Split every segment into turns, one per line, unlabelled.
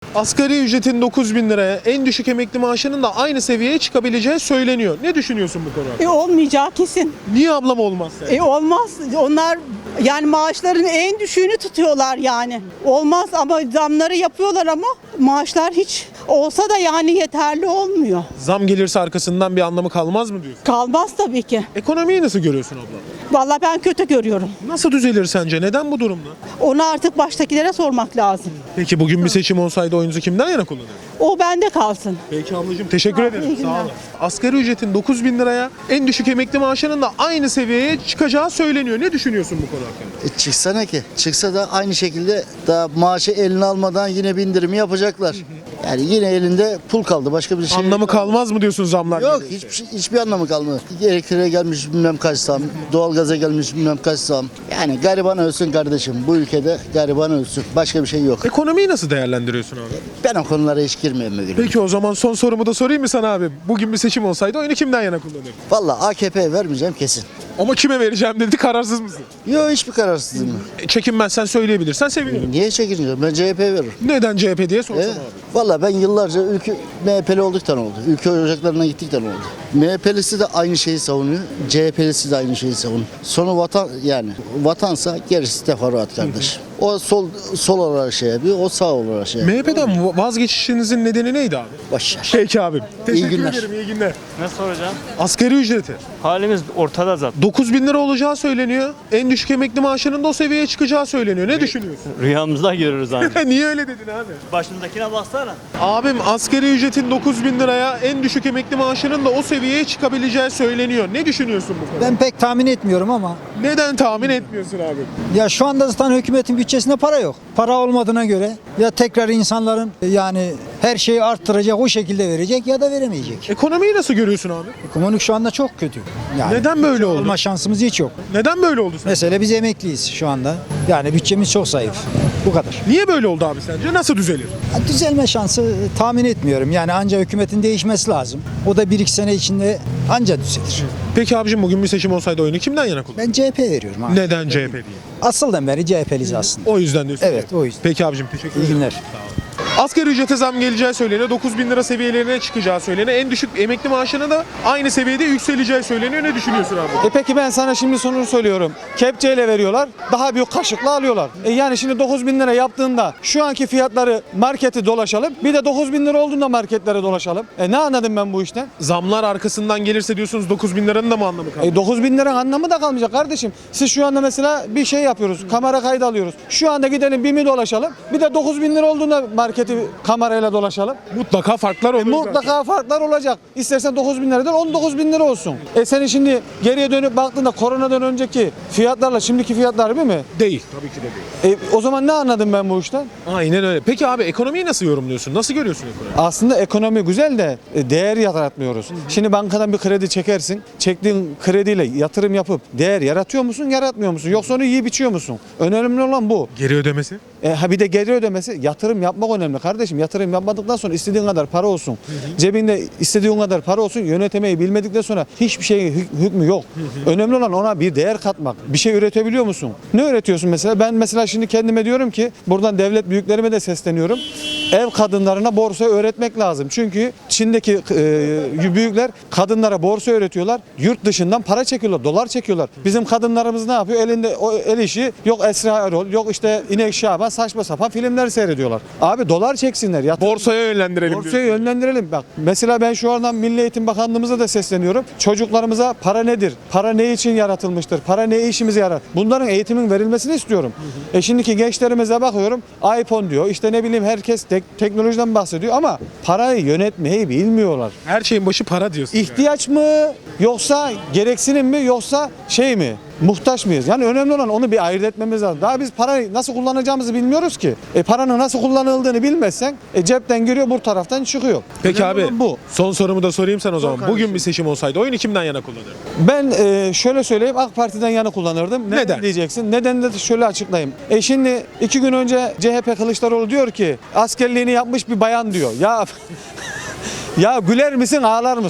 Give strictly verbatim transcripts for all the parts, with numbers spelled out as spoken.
Asgari ücretin dokuz bin liraya, en düşük emekli maaşının da aynı seviyeye çıkabileceği söyleniyor. Ne düşünüyorsun bu konuda?
E olmayacağı kesin.
Niye ablam olmaz yani?
E olmaz. Onlar yani maaşların en düşüğünü tutuyorlar yani. Olmaz ama zamları yapıyorlar ama maaşlar hiç olsa da yani yeterli olmuyor.
Zam gelirse arkasından bir anlamı kalmaz mı diyorsun?
Kalmaz tabii ki.
Ekonomiyi nasıl görüyorsun abla?
Vallahi ben kötü görüyorum.
Nasıl düzelir sence? Neden bu durumda?
Onu artık baştakilere sormak lazım.
Peki bugün bir seçim olsaydı oyunuzu kimden yana kullanırdın?
O bende kalsın.
Peki ablacığım teşekkür
Sağ ol,
ederim.
iyi
Sağ
günler.
olun. Asgari ücretin dokuz bin liraya, en düşük emekli maaşının da aynı seviyeye çıkacağı söyleniyor. Ne düşünüyorsun bu konu hakkında?
E çıksana ki. Çıksa da aynı şekilde daha maaşı eline almadan yine bindirimi yapacaklar. Yani yine elinde pul kaldı. Başka bir şey
Anlamı kalmaz mı diyorsun zamlar?
Yok,
gelirse?
hiçbir, şey- hiçbir anlamı kalmadı. Elektriğe gelmiş bilmem kaç zam, doğalgaza gelmiş bilmem kaç zam. Yani gariban ölsün kardeşim. Bu ülkede gariban ölsün. Başka bir şey yok.
Ekonomiyi nasıl değerlendiriyorsun abi?
Ben o konulara hiç girmeyeyim bugün.
Peki o zaman son sorumu da sorayım mı sana abi? Bugün bir seçim olsaydı oyunu kimden yana kullanırdın?
Vallahi A K P'ye vermeyeceğim kesin.
Ama kime vereceğim dedi, kararsız mısın?
Yok, hiçbir kararsızlığım yok.
E, çekinmezsen söyleyebilirsen sevinirim.
Niye çekineceğim? Ben C H P veririm.
Neden C H P diye sorsam
E,
abi.
Vallahi ben yıllarca ülke M H P'li olduktan oldu. Ülke ocaklarına gittikten oldu. M H P'lisi de aynı şeyi savunuyor. C H P'lisi de aynı şeyi savunuyor. Sonu vatan yani vatansa gerisi teferruat kardeş. O sol sol olarak şey yapıyor, o sağ olarak şey yapıyor.
M H P'den vazgeçişinizin nedeni neydi abi?
Başlar.
Peki abim. Teşekkür
günler.
ederim, iyi günler.
Ne soracağım?
Asgari ücreti.
Halimiz ortada zaten.
dokuz bin lira olacağı söyleniyor. En düşük emekli maaşının da o seviyeye çıkacağı söyleniyor. Ne düşünüyorsun?
Rüyamızda görürüz ancak.
Niye öyle dedin abi?
Başımızdakine baksana.
Abim asgari ücretin dokuz bin liraya, en düşük emekli maaşının da o seviyeye çıkabileceği söyleniyor. Ne düşünüyorsun bu konuda?
Ben pek tahmin etmiyorum ama
Neden tahmin etmiyorsun abi?
ya şu anda zaten hükümetin bütçesinde para yok. Para olmadığına göre ya tekrar insanların yani her şeyi arttıracak, o şekilde verecek ya da veremeyecek.
Ekonomiyi nasıl görüyorsun abi?
Ekonomik şu anda çok kötü. Yani
Neden böyle oldu?
alma şansımız hiç yok.
Neden böyle oldu sen?
Mesela biz emekliyiz şu anda. Yani bütçemiz çok zayıf. Bu kadar.
Niye böyle oldu abi sence? Nasıl düzelir?
Ya düzelme şansı e, tahmin etmiyorum. Yani anca hükümetin değişmesi lazım. O da bir iki sene içinde anca düzelir.
Peki abicim bugün bir seçim olsaydı oyunu kimden yana kullanırdın?
Ben C H P veriyorum abi.
Neden C H P değil?
Asıldan beri C H P'liyiz aslında.
O yüzden diyorsun.
Evet, o yüzden.
Peki abicim teşekkür ederim.
İyi günler.
Asgari ücrete zam geleceği söyleniyor. dokuz bin lira seviyelerine çıkacağı söyleniyor. En düşük emekli maaşına da aynı seviyede yükseleceği söyleniyor. Ne düşünüyorsun abi?
E peki ben sana şimdi sonucu söylüyorum. Kepçeyle veriyorlar, daha büyük kaşıkla alıyorlar. E yani şimdi dokuz bin lira yaptığında şu anki fiyatları marketi dolaşalım. Bir de dokuz bin lira olduğunda marketlere dolaşalım. E ne anladım ben bu işten?
Zamlar arkasından gelirse diyorsunuz dokuz bin liranın da mı anlamı kaldı?
E dokuz bin liranın anlamı da kalmayacak kardeşim. Siz şu anda mesela bir şey yapıyoruz, kamera kaydı alıyoruz. Şu anda gidelim BİM'i dolaşalım. Bir de dokuz bin lira olduğunda marketi kamerayla dolaşalım.
Mutlaka farklar olur.
E mutlaka farklar olacak. İstersen dokuz bin liradan on dokuz bin lira olsun. E senin şimdi geriye dönüp baktığında koronadan önceki fiyatlarla şimdiki fiyatlar bir mi?
Değil. Tabii ki de değil.
E, o zaman ne anladım ben bu işten?
Aynen öyle. Peki abi ekonomiyi nasıl yorumluyorsun? Nasıl görüyorsun ekonomiyi?
Aslında ekonomi güzel de e, değer yaratmıyoruz. Şimdi bankadan bir kredi çekersin. Çektiğin krediyle yatırım yapıp değer yaratıyor musun, yaratmıyor musun? Yoksa onu yiyip içiyor musun? Önemli olan bu.
Geri ödemesi?
E, ha bir de geri ödemesi, yatırım yapmak önemli kardeşim. Yatırım yapmadıktan sonra istediğin kadar para olsun. Cebinde istediğin kadar para olsun. Yönetemeyi bilmedikten sonra hiçbir şeyin hük- hükmü yok. Önemli olan ona bir değer katmak. Bir şey üretebiliyor musun? Ne üretiyorsun mesela? Ben mesela şimdi kendime diyorum ki buradan devlet büyüklerime de sesleniyorum. Ev kadınlarına borsa öğretmek lazım. Çünkü Çin'deki e, büyükler kadınlara borsa öğretiyorlar. Yurt dışından para çekiyorlar, dolar çekiyorlar. Bizim kadınlarımız ne yapıyor? Elinde o el işi yok Esra Erol, yok işte İnek Şaban, saçma sapan filmler seyrediyorlar. Abi dolar çeksinler. Yatır-
Borsaya yönlendirelim
Borsaya
diyorsun.
yönlendirelim. Bak mesela ben şu andan Milli Eğitim Bakanlığımıza da sesleniyorum. Çocuklarımıza para nedir? Para ne için yaratılmıştır? Para ne işimize yarar? Bunların eğitimin verilmesini istiyorum. E şimdiki gençlerimize bakıyorum. iPhone diyor. İşte ne bileyim herkes tek- teknolojiden bahsediyor ama parayı yönetmeyi bilmiyorlar.
Her şeyin başı para diyorsun. yani.
İhtiyaç mı yoksa gereksinim mi yoksa şey mi? Muhtaç mıyız? Yani önemli olan onu bir ayırt etmemiz lazım. Daha biz parayı nasıl kullanacağımızı bilmiyoruz ki. E paranın nasıl kullanıldığını bilmezsen e cepten giriyor bu taraftan çıkıyor.
Peki
Önemli
abi
olan bu.
son sorumu da sorayım sen o zaman.
kardeşim.
Bugün bir seçim olsaydı oyunu kimden yana kullanırdın?
Ben e, şöyle söyleyeyim AK Parti'den yana kullanırdım.
Neden?
Diyeceksin. Nedenini de şöyle açıklayayım. E şimdi iki gün önce C H P Kılıçdaroğlu diyor ki askerliğini yapmış bir bayan diyor. Ya ya güler misin ağlar mısın?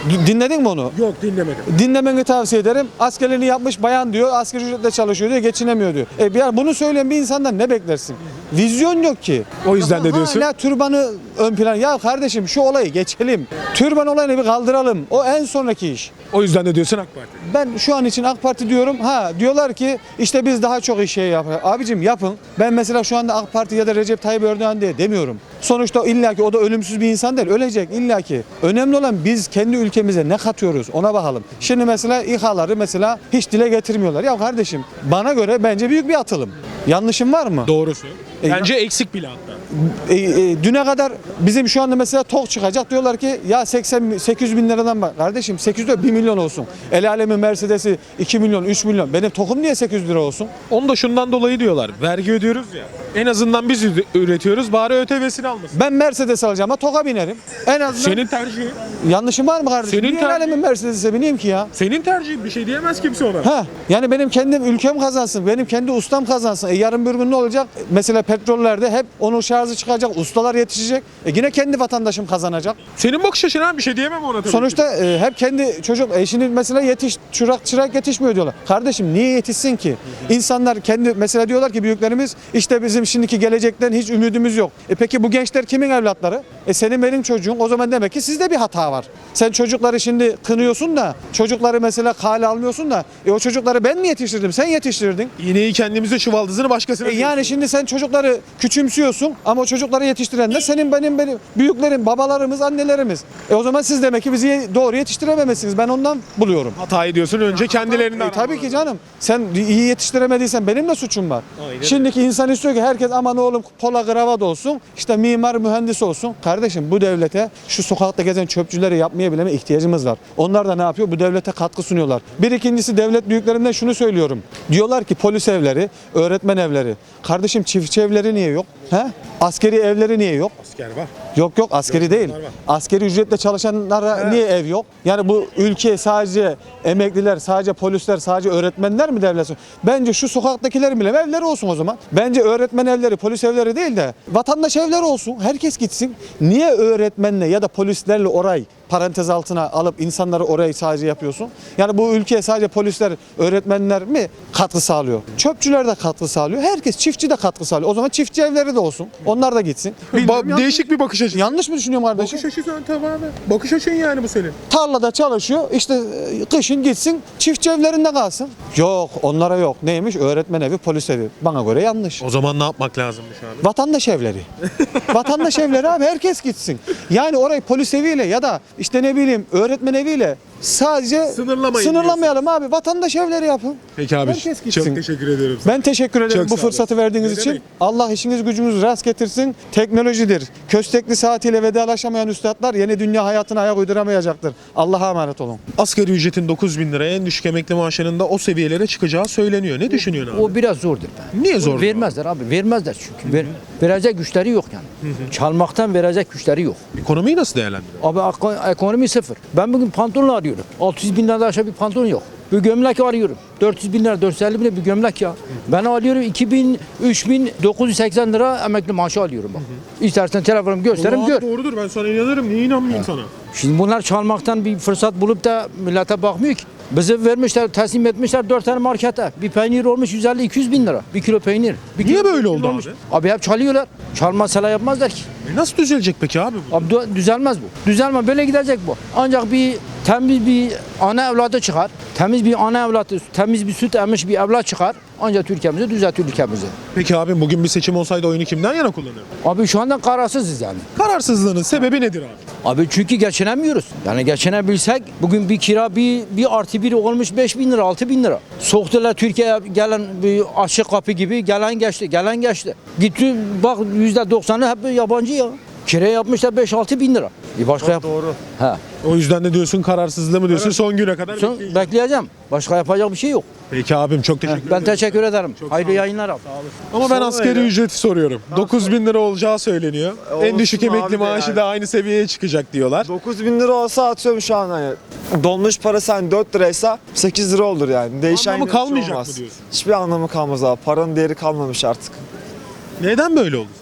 D- Dinledin mi onu?
Yok dinlemedim.
Dinlemeni tavsiye ederim. Askerliğini yapmış bayan diyor, asgari ücretle çalışıyor diyor, geçinemiyor diyor. E bir bunu söyleyen bir insandan ne beklersin? Vizyon yok ki.
O yüzden de diyorsun.
Hala türbanı ön plan. Ya kardeşim şu olayı geçelim. Türban olayını bir kaldıralım. O en sonraki iş.
O yüzden de diyorsun AK Parti.
Ben şu an için AK Parti diyorum. Ha diyorlar ki işte biz daha çok iş şey yapıyoruz. Abicim yapın. Ben mesela şu anda AK Parti ya da Recep Tayyip Erdoğan diye demiyorum. Sonuçta illaki o da ölümsüz bir insan değil. Ölecek illaki. Önemli olan biz kendi ülkemize ne katıyoruz ona bakalım. Şimdi mesela İHA'ları mesela hiç dile getirmiyorlar. Ya kardeşim bana göre bence büyük bir atılım. Yanlışım var mı?
Doğrusu.
E,
Bence eksik bile hatta.
E, e, düne kadar bizim şu anda mesela TOG çıkacak diyorlar ki ya seksen sekiz yüz bin liradan bak kardeşim sekiz yüz lira bir milyon olsun. El alemin Mercedes'i iki milyon üç milyon benim TOG'um niye sekiz yüz lira olsun?
Onu da şundan dolayı diyorlar. Vergi ödüyoruz ya. En azından biz üre- üretiyoruz. Bari ÖTV'sini almasın.
Ben Mercedes alacağım ama TOG'a binerim. En azından
Senin tercihin.
yanlışım var mı kardeşim?
Senin
Niye el
tercihin.
alemin Mercedes'e bineyim ki ya?
Senin tercihin. Bir şey diyemez kimse ona.
Ha, yani benim kendim ülkem kazansın, benim kendi ustam kazansın. E yarın bir gün ne olacak? Mesela petrollerde hep onun şarjı çıkacak, ustalar yetişecek. E yine kendi vatandaşım kazanacak.
Senin bakış açın abi, bir şey diyemem ona tabii ki.
Sonuçta e, hep kendi çocuk, e şimdi mesela yetiş, çırak çırak yetişmiyor diyorlar. Kardeşim niye yetişsin ki? İnsanlar kendi, mesela diyorlar ki büyüklerimiz işte bizim şimdiki gelecekten hiç ümidimiz yok. E peki bu gençler kimin evlatları? E senin benim çocuğun, o zaman demek ki sizde bir hata var. Sen çocukları şimdi kınıyorsun da, çocukları mesela kale almıyorsun da, e o çocukları ben mi yetiştirdim? Sen yetiştirdin.
İğneyi kendimize, çuvaldızını başkasına.
E yani şimdi sen çocukları küçümsüyorsun ama o çocukları yetiştirenler senin benim benim büyüklerim, babalarımız, annelerimiz. E o zaman siz demek ki bizi doğru yetiştirememişsiniz. Ben ondan buluyorum.
Hata ediyorsun, önce kendilerinden.
E, tabii ki canım. Sen iyi yetiştiremediysen benim de suçum var.
Aynen.
Şimdiki insan istiyor ki herkes aman oğlum pola kravat olsun, işte mimar, mühendis olsun. Kardeşim bu devlete şu sokakta gezen çöpçüleri yapmaya bile ihtiyacımız var. Onlar da ne yapıyor? Bu devlete katkı sunuyorlar. Bir ikincisi devlet büyüklerimden şunu söylüyorum. Diyorlar ki polis evleri, öğretmen evleri. Kardeşim çiftçi evleri niye yok? He? Askeri evleri niye yok?
Asker var.
Yok yok askeri
Yok,
değil.
var, var.
Askeri ücretle çalışanlara niye ev yok? Yani bu ülke sadece emekliler, sadece polisler, sadece öğretmenler mi devlet? Bence şu sokaktakilerin bile evleri olsun o zaman. Bence öğretmen evleri, polis evleri değil de vatandaş evleri olsun. Herkes gitsin. Niye öğretmenle ya da polislerle orayı parantez altına alıp insanları orayı sadece yapıyorsun? Yani bu ülkeye sadece polisler, öğretmenler mi katkı sağlıyor? Çöpçüler de katkı sağlıyor. Herkes, çiftçi de katkı sağlıyor. O zaman çiftçi evleri de olsun. Onlar da gitsin. Bilmiyorum,
Ba-
yanlış-
değişik bir bakış açısı.
Yanlış mı düşünüyorum kardeşim?
Bakış açısı ön tamamen. Bakış açın yani bu senin.
Tarlada çalışıyor. İşte e, kışın gitsin çiftçi evlerinde kalsın. Yok onlara yok. Neymiş? Öğretmen evi, polis evi. Bana göre yanlış.
O zaman ne yapmak lazımmış abi?
Vatandaş evleri. Vatandaş evleri abi herkes gitsin. Yani orayı polis eviyle ya da işte ne bileyim öğretmen eviyle sadece
Sınırlamayın
sınırlamayalım abi. Vatandaş evleri yapın.
Peki abi.
Herkes gitsin.
Çok teşekkür ediyorum.
Ben teşekkür ederim
Çok
bu
sağ olun.
fırsatı verdiğiniz
Ne
için.
demek?
Allah işiniz gücünüz rast getirsin. Teknolojidir. Köstekli saatiyle vedalaşamayan üstadlar yeni dünya hayatına ayak uyduramayacaktır. Allah'a emanet olun.
Asgari ücretin dokuz bin liraya, en düşük emekli maaşının da o seviyelere çıkacağı söyleniyor. Ne düşünüyorsun abi?
O biraz zordur. Be.
Niye zor?
Vermezler abi. Vermezler çünkü. Ver, verecek güçleri yok yani. Çalmaktan verecek güçleri yok.
Ekonomiyi nasıl değerlendiriyor?
Abi eko- ekonomi sıfır. Ben bugün pantolon arıyorum. altı yüz bin liradan aşağı bir pantolon yok. Bir gömlek arıyorum. dört yüz bin lira, dört yüz elli bin lira bir gömlek ya. Ben alıyorum iki bin, üç bin dokuz yüz seksen lira emekli maaşı alıyorum bak. İstersen telefonumu gösteririm
Vallahi
gör.
Doğrudur, ben sana inanırım. Niye inanmayayım sana?
Şimdi bunlar çalmaktan bir fırsat bulup da millete bakmıyor ki. Bizi vermişler, teslim etmişler dört tane markete. Bir peynir olmuş yüz elli iki yüz bin lira. Bir kilo peynir. Bir
Niye
kilo
böyle
peynir
oldu
olmuş.
abi?
Abi hep çalıyorlar. Çalmazsalar yapmazlar ki.
E nasıl düzelecek peki abi bu?
Abi dü- düzelmez bu. Düzelme böyle gidecek bu. Ancak bir temiz bir ana evladı çıkar. Temiz bir ana evladı, temiz bir süt emmiş bir evlat çıkar. Ancak Türkiye'mizi düzeltir ülkemizi.
Peki abi, bugün bir seçim olsaydı oyunu kimden yana kullanırdın?
Abi şu anda kararsızız yani.
Kararsızlığının sebebi nedir abi?
Abi çünkü geçinemiyoruz. Yani geçinebilsek bugün bir kira bir, bir artı bir olmuş beş bin lira altı bin lira. Soktular Türkiye'ye gelen bir açık kapı gibi gelen geçti gelen geçti. Gitti bak yüzde doksanı hep yabancı ya. Kira yapmışlar beş altı bin lira. E başka yap.
Doğru.
He.
O yüzden de diyorsun kararsızlığı mı diyorsun, son güne kadar
Son,
bekleyeceğiz.
bekleyeceğim. Başka yapacak bir şey yok.
Peki abim, çok teşekkür ederim.
Ben teşekkür ederim. Hayırlı yayınlar abi.
Ama ben asgari ücreti soruyorum. dokuz bin lira olacağı söyleniyor. en düşük
olsun
emekli
abi de
maaşı
yani.
da aynı seviyeye çıkacak diyorlar.
dokuz bin lira olsa atıyorum şu an hani dolmuş parası hani dört liraysa sekiz lira olur yani. Değişen
Anlamı
yine bir şey
kalmayacak
olmaz.
mı diyorsun?
Hiçbir anlamı kalmaz abi. Paranın değeri kalmamış artık.
Neden böyle oldu sence?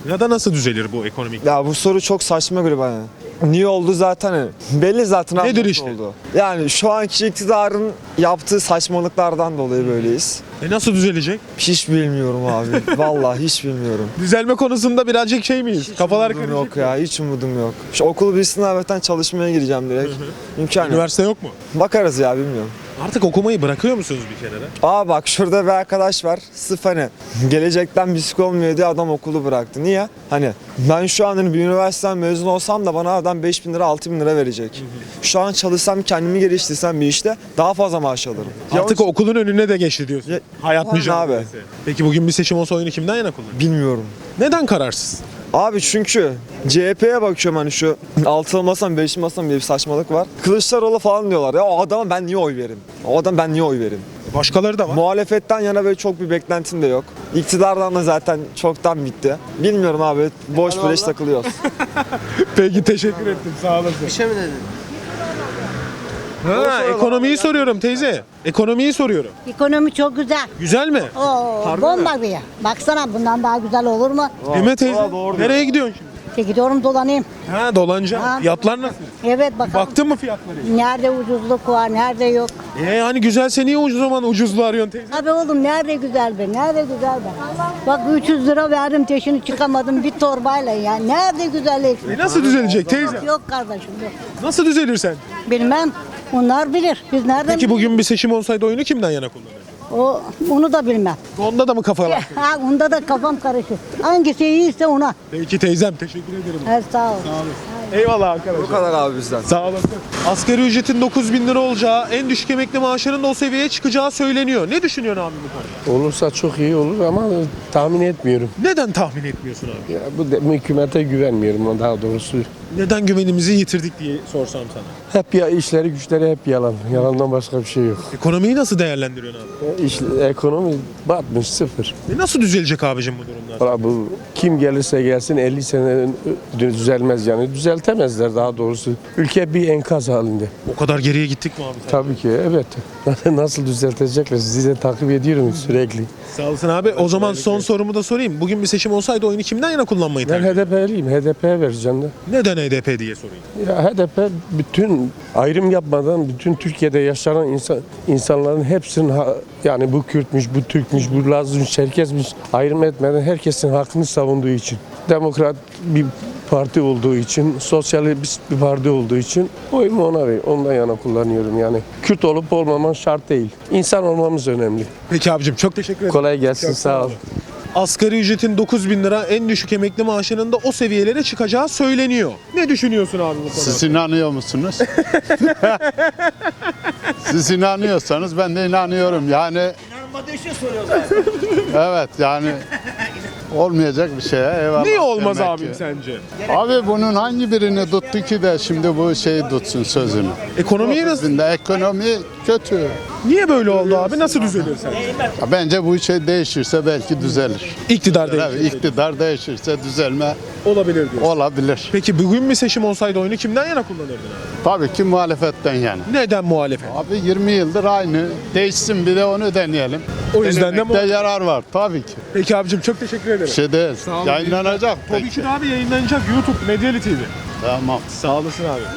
Ya da nasıl düzelir bu ekonomik?
Ya bu soru çok saçma geliyor bana. Niye oldu zaten hani belli zaten abi
Nedir
nasıl
işte?
oldu. Yani şu anki iktidarın yaptığı saçmalıklardan dolayı böyleyiz.
E nasıl düzelecek?
Hiç bilmiyorum abi. Vallahi hiç bilmiyorum.
Düzelme konusunda birazcık şey miyiz? Kafalar
Umudum
karışık.
yok ya, hiç umudum yok. Şu okulu bir sınavdan çalışmaya gireceğim direkt. İmkan yok.
Üniversite yok mu?
Bakarız ya, bilmiyorum.
Artık okumayı bırakıyor musunuz bir kenara?
Aa bak şurada bir arkadaş var. Sırf hani gelecekten bisik olmuyor diye adam okulu bıraktı. Niye? Hani ben şu an hani bir üniversiteden mezun olsam da bana adam beş bin lira altı bin lira verecek. Şu an çalışsam, kendimi geliştirsem bir işte daha fazla maaş alırım. Ya
Artık
o-
okulun önüne de geçti diyorsun.
Ya-
Hayat
Aynen
mücadelesi. Peki bugün bir seçim olsa oyunu kimden yana kullanır?
Bilmiyorum.
Neden kararsız?
Abi çünkü C H P'ye bakıyorum hani şu altılı masam beşli masam diye bir saçmalık var. Kılıçdaroğlu falan diyorlar. Ya o adama ben niye oy veririm? O adam ben niye oy veririm?
Başkaları da var.
Muhalefetten yana böyle çok bir beklentim de yok. İktidardan da zaten çoktan bitti. Bilmiyorum abi, boş beleş takılıyoruz.
Peki teşekkür ettim. Sağ olasın. Bir şey mi dedin? Ha, ekonomiyi soruyorum teyze. Ekonomiyi soruyorum.
Ekonomi çok güzel.
Güzel mi?
Oo,
Harbi
bomba bir yer. Baksana bundan daha güzel olur mu?
Değil mi teyze?
Aa, doğru
Nereye gidiyorsun şimdi?
İşte gidiyorum dolanayım.
Ha dolanacağım.
Ha.
Fiyatlar nasıl?
Evet bakalım.
Baktın mı fiyatlara?
Nerede ucuzluk var, nerede yok.
E hani güzelse niye ucuz zaman ucuzluğu arıyorsun teyze?
Abi oğlum nerede güzel be, nerede güzel be. Bak üç yüz lira verdim teşini çıkamadım bir torbayla ya. Nerede güzellik?
E nasıl düzelecek teyze?
Yok kardeşim yok.
Nasıl düzelir sen?
Bilmem. Onlar bilir. Biz nereden
Peki bugün bir seçim olsaydı oyunu kimden yana kullanırdın?
O, onu da bilmem.
Onda da mı kafalar?
Ha, onda da kafam karışır. Hangisi iyiyse ona.
Peki teyzem teşekkür ederim.
Evet sağ ol.
Eyvallah arkadaşlar.
Bu kadar abi bizden.
Sağ olasın. Asgari ücretin dokuz bin lira olacağı, en düşük emekli maaşının da o seviyeye çıkacağı söyleniyor. Ne düşünüyorsun abi bu konuda?
Olursa çok iyi olur ama tahmin etmiyorum.
Neden tahmin etmiyorsun abi?
Ya bu de, hükümete güvenmiyorum daha doğrusu.
Neden güvenimizi yitirdik diye sorsam sana.
Hep ya işleri güçleri hep yalan. Yalandan başka bir şey yok.
Ekonomiyi nasıl değerlendiriyorsun abi?
Ya İş, ekonomi batmış sıfır.
E nasıl düzelecek abicim bu durumlar?
Valla bu kim gelirse gelsin elli sene düzelmez yani. Düzeltemezler daha doğrusu. Ülke bir enkaz halinde.
O kadar geriye gittik mi abi? sen?
Tabii ki evet. Nasıl düzeltecekler sizi de takip ediyorum sürekli.
Sağ olasın abi. O zaman son sorumu da sorayım. Bugün bir seçim olsaydı oyunu kimden yana kullanmayı
Ben
tercih
H D P'liyim. H D P'ye vereceğim de.
Neden H D P diye sorayım.
Ya H D P bütün ayrım yapmadan bütün Türkiye'de yaşanan insan, insanların hepsinin ha- yani bu Kürtmüş, bu Türkmüş, bu Lazmış, Çerkezmiş ayrım etmeden herkesin hakkını savunduğu için. Demokrat bir parti olduğu için, sosyalist bir parti olduğu için oyumu ona ver, ondan yana kullanıyorum yani. Kürt olup olmaman şart değil. İnsan olmamız önemli.
Peki abicim çok teşekkür ederim.
Kolay gelsin,
Çok
sağ ol.
Asgari ücretin dokuz bin lira, en düşük emekli maaşının da o seviyelere çıkacağı söyleniyor. Ne düşünüyorsun abi bu konuda?
Siz inanıyor musunuz? Siz inanıyorsanız ben de inanıyorum. Yani
İnanmadığı için soruyorlar.
evet yani olmayacak bir şeye eyvallah.
Niye olmaz
demek
abim
ki.
sence?
Abi bunun hangi birini tuttu ki de şimdi bu şeyi tutsun sözünü?
Ekonomiyi nasıl?
Şimdi ekonomi kötü.
Niye böyle oldu abi? Nasıl düzelir sence?
Ya bence bu şey değişirse belki düzelir.
İktidar
Evet,
değişir.
iktidar değişirse düzelme
Olabilir diyorsun.
olabilir.
Peki bugün bir seçim olsaydı oyunu kimden yana kullanırdın abi?
Tabii ki muhalefetten yani.
Neden muhalefet?
Abi yirmi yıldır aynı. Değişsin bir de onu deneyelim.
O yüzden de
Denemekte
muhalefet.
yarar var tabii ki.
Peki abicim çok teşekkür ederim.
Bir şey değil.
olun.
Yayınlanacak
Tabii
peki.
ki de abi yayınlanacak YouTube, Medyali T V.
Tamam.
Sağ olasın abi.